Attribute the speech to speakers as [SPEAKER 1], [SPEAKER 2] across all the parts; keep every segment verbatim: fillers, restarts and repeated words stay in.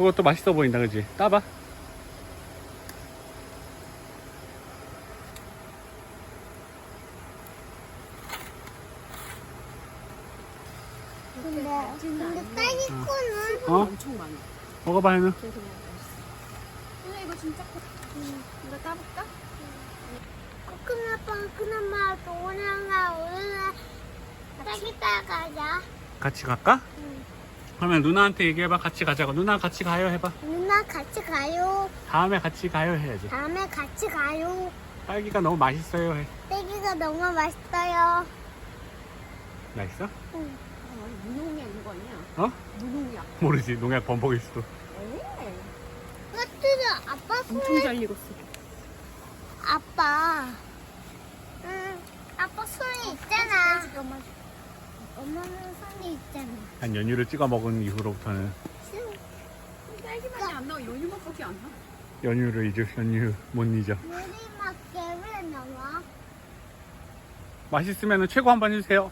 [SPEAKER 1] 그것도 맛있어 보인다, 그지? 따봐.
[SPEAKER 2] 근데 근데 딸기코는
[SPEAKER 1] 어?
[SPEAKER 3] 엄청 많아.
[SPEAKER 1] 먹어봐, 해는.
[SPEAKER 3] 그래서 그냥 맛있어. 누나 이거 진짜 커. 응. 이거 따볼까?
[SPEAKER 2] 코코넛빵 그나마 오늘날 오늘날 딸기 따가자.
[SPEAKER 1] 같이 갈까?
[SPEAKER 2] 응.
[SPEAKER 1] 그러면 누나한테 얘기해봐. 같이 가자고. 누나 같이 가요 해봐.
[SPEAKER 2] 누나 같이 가요.
[SPEAKER 1] 다음에 같이 가요 해야지.
[SPEAKER 2] 다음에 같이 가요.
[SPEAKER 1] 딸기가 너무 맛있어요 해.
[SPEAKER 2] 딸기가 너무 맛있어요.
[SPEAKER 1] 맛있어?
[SPEAKER 2] 응.
[SPEAKER 3] 어, 무농약 이거 아니야?
[SPEAKER 1] 어?
[SPEAKER 3] 무농약.
[SPEAKER 1] 모르지. 농약 범벅일 수도.
[SPEAKER 3] 에
[SPEAKER 2] 까뜨려 아빠
[SPEAKER 3] 엄청
[SPEAKER 2] 손에
[SPEAKER 3] 잘 익었어.
[SPEAKER 2] 아빠. 응. 아빠 손에 있잖아.
[SPEAKER 3] 해줄게, 엄마.
[SPEAKER 2] 엄마는 손에 있잖아.
[SPEAKER 1] 한 연유를 찍어 먹은 이후로부터는
[SPEAKER 3] 딸기맛이 안 나와. 연유맛밖에 안 나.
[SPEAKER 1] 연유를 잊어. 연유 못 잊어.
[SPEAKER 2] 요리밖에 왜 나와?
[SPEAKER 1] 맛있으면 최고 한번 해주세요.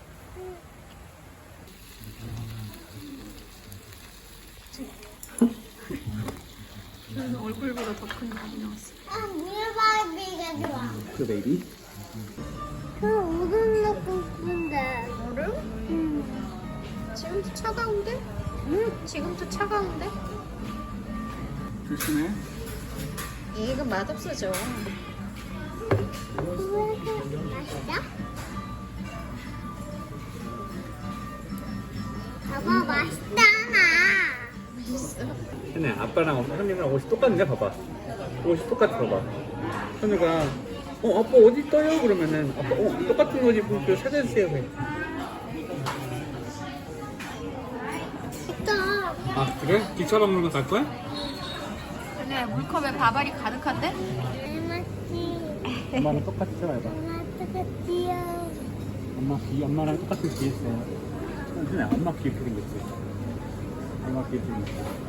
[SPEAKER 3] 그래서 얼굴보다 더 큰 밥이 나왔어.
[SPEAKER 2] 아, 물바비가 좋아.
[SPEAKER 1] 그 베이비?
[SPEAKER 2] 그 우동 넣고 싶은데.
[SPEAKER 3] 얼음?
[SPEAKER 2] 응.
[SPEAKER 3] 지금도 차가운데? 응, 지금도 차가운데?
[SPEAKER 1] 조심해.
[SPEAKER 3] 이거 맛없어져.
[SPEAKER 2] 맛있어? 봐봐, 맛있잖아.
[SPEAKER 3] 맛있어.
[SPEAKER 1] 현우야, 아빠랑 현우랑 옷이 똑같네. 봐봐. 옷이 똑같아. 봐봐. 현우가 어 아빠 어디 떠요? 그러면은 아빠 어 똑같은 옷 입고 그 사주세요 해.
[SPEAKER 2] 맛있어.
[SPEAKER 1] 아 그래? 기차박물관 갈 거야?
[SPEAKER 3] 근데 물컵에 밥알이 가득한데?
[SPEAKER 2] 맛있지.
[SPEAKER 1] 엄마랑 똑같이 해봐.
[SPEAKER 2] 엄마 똑같지요.
[SPEAKER 1] 엄마 귀 엄마랑 똑같은 귀 했어요. 현우야, 엄마 귀 예쁘게 생겼지. 엄마 귀 예쁘게 생겼어.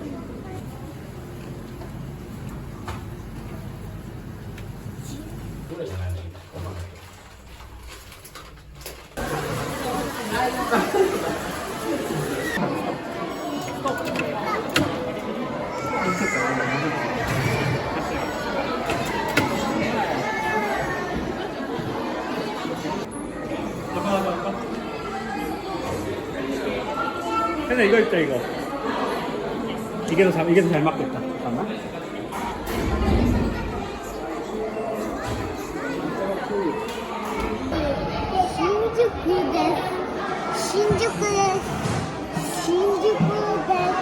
[SPEAKER 1] 현우 이거 있다 이거. 이게 더 잘, 이게 더 잘 맞겠다. 잠깐만.
[SPEAKER 2] 신주쿠데 신주쿠데 신주쿠데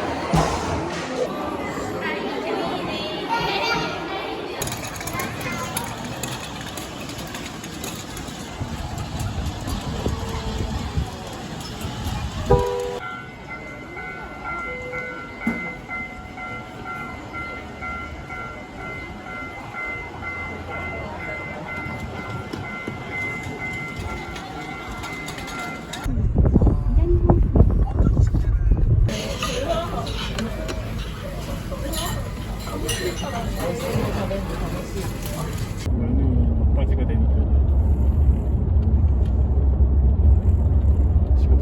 [SPEAKER 1] 면이 막바지가 되니까 지금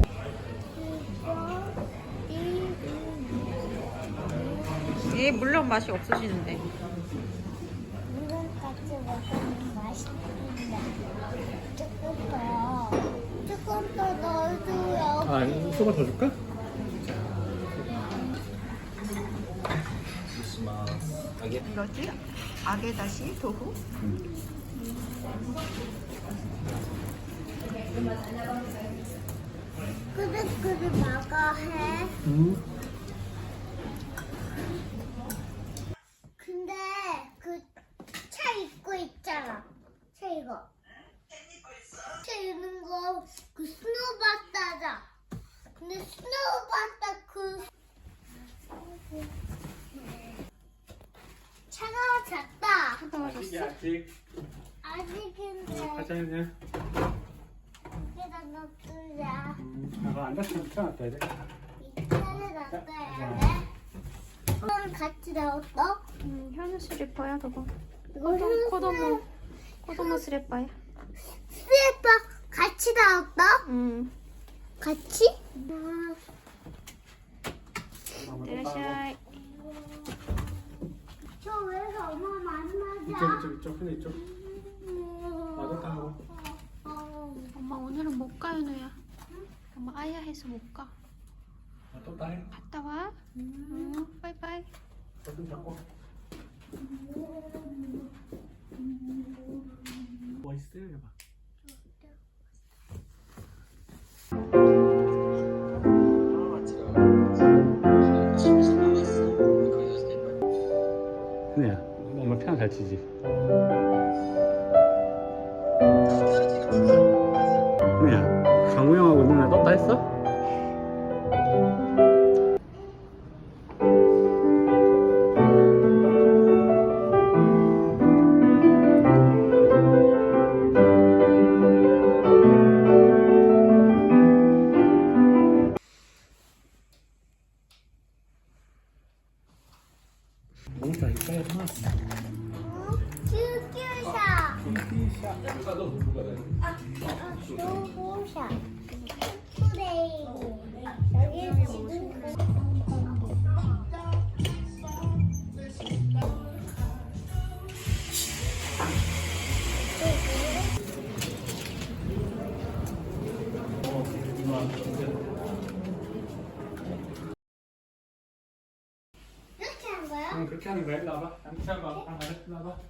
[SPEAKER 3] 얘 물론 맛이 없어지는데.
[SPEAKER 2] 물건 같이 먹으면 맛있는데 조금 더 조금 더 넣어줘요.
[SPEAKER 1] 아 소바 더 줄까?
[SPEAKER 3] 이거지? 아게다시 도후?
[SPEAKER 2] 끄덕끄덕 막아 해.
[SPEAKER 1] 응.
[SPEAKER 2] 근데 그 차 입고 있잖아. 차 이거. 차 입는 거 그 스노우바타다. 근데 스노우바타 그 차가 작다.
[SPEAKER 1] 아직 아직.
[SPEAKER 2] 아직인데
[SPEAKER 1] 가자 이제.
[SPEAKER 2] 여기다 놔두자.
[SPEAKER 1] 음, 아가 안 닫히면 붙여놨다 돼.
[SPEAKER 2] 이 차를 놔둬야 돼. 이건 같이 넣었어?
[SPEAKER 3] 음, 현우 슬리퍼야 그거.
[SPEAKER 2] 이거
[SPEAKER 3] 코도, 코도모 코도모 슬리퍼야.
[SPEAKER 2] 스리퍼 같이 넣었어?
[SPEAKER 3] 음.
[SPEAKER 2] 같이? 음.
[SPEAKER 3] 이라샤이.
[SPEAKER 1] 이쪽 이쪽 이쪽 근데 이쪽. 나도 따고.
[SPEAKER 3] 엄마 오늘은 못 가요, 너야. 엄마 아야 해서 못 가.
[SPEAKER 1] 나도 따해.
[SPEAKER 3] 갔다 와. 응, 바이바이.
[SPEAKER 1] 좀 잡고. 뭐 있어요, 해봐. 그냥 엄마 피아노 잘 치지. 그냥 장우 형하고 누나 떴다 했어? 뭔가 이빨 하나.
[SPEAKER 2] 큐큐샤.
[SPEAKER 1] 샤.
[SPEAKER 2] 큐큐샤. 큐레이. 여기 지금 이렇게 한 거야?
[SPEAKER 1] 응, 그렇게 하는 거야. 일로 와봐. 양치한 거. 아, 그래. 일로 와봐.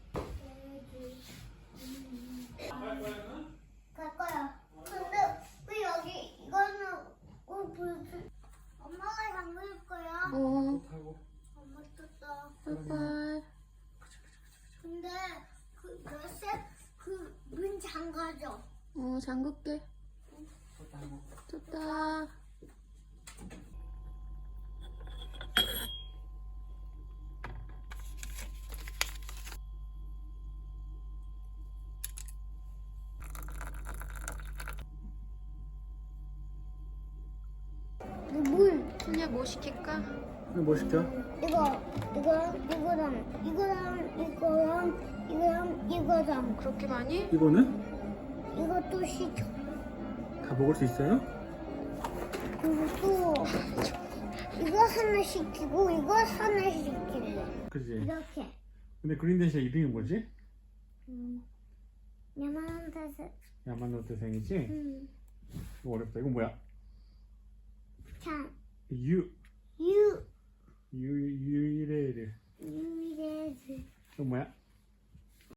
[SPEAKER 2] 갈 거야. 근데 왜 여기 이거는 어, 불- 엄마가 잠글 거야.
[SPEAKER 3] 어,
[SPEAKER 1] 하고.
[SPEAKER 2] 엄마 떴다.
[SPEAKER 3] 바이바이.
[SPEAKER 2] 근데 그 열쇠 그문 잠가줘.
[SPEAKER 3] 어, 잠글게.
[SPEAKER 1] 하고.
[SPEAKER 3] 좋다.
[SPEAKER 2] 물
[SPEAKER 3] 틀리야 뭐 시킬까?
[SPEAKER 1] 뭐 시켜?
[SPEAKER 2] 이거 이거 이거랑 이거랑 이거랑 이거랑 이거랑
[SPEAKER 3] 그렇게 많이?
[SPEAKER 1] 이거는
[SPEAKER 2] 이것도 시켜.
[SPEAKER 1] 다 먹을 수 있어요?
[SPEAKER 2] 그리고 또 이거 하나 시키고 이거 하나 시킬래.
[SPEAKER 1] 그지.
[SPEAKER 2] 이렇게.
[SPEAKER 1] 근데 그린데시아 이름이 뭐지?
[SPEAKER 2] 음. 야만한테서.
[SPEAKER 1] 야마노테생이지?
[SPEAKER 2] 음.
[SPEAKER 1] 이거 어렵다. 이건 뭐야?
[SPEAKER 2] 참.
[SPEAKER 1] 유.
[SPEAKER 2] 유.
[SPEAKER 1] 유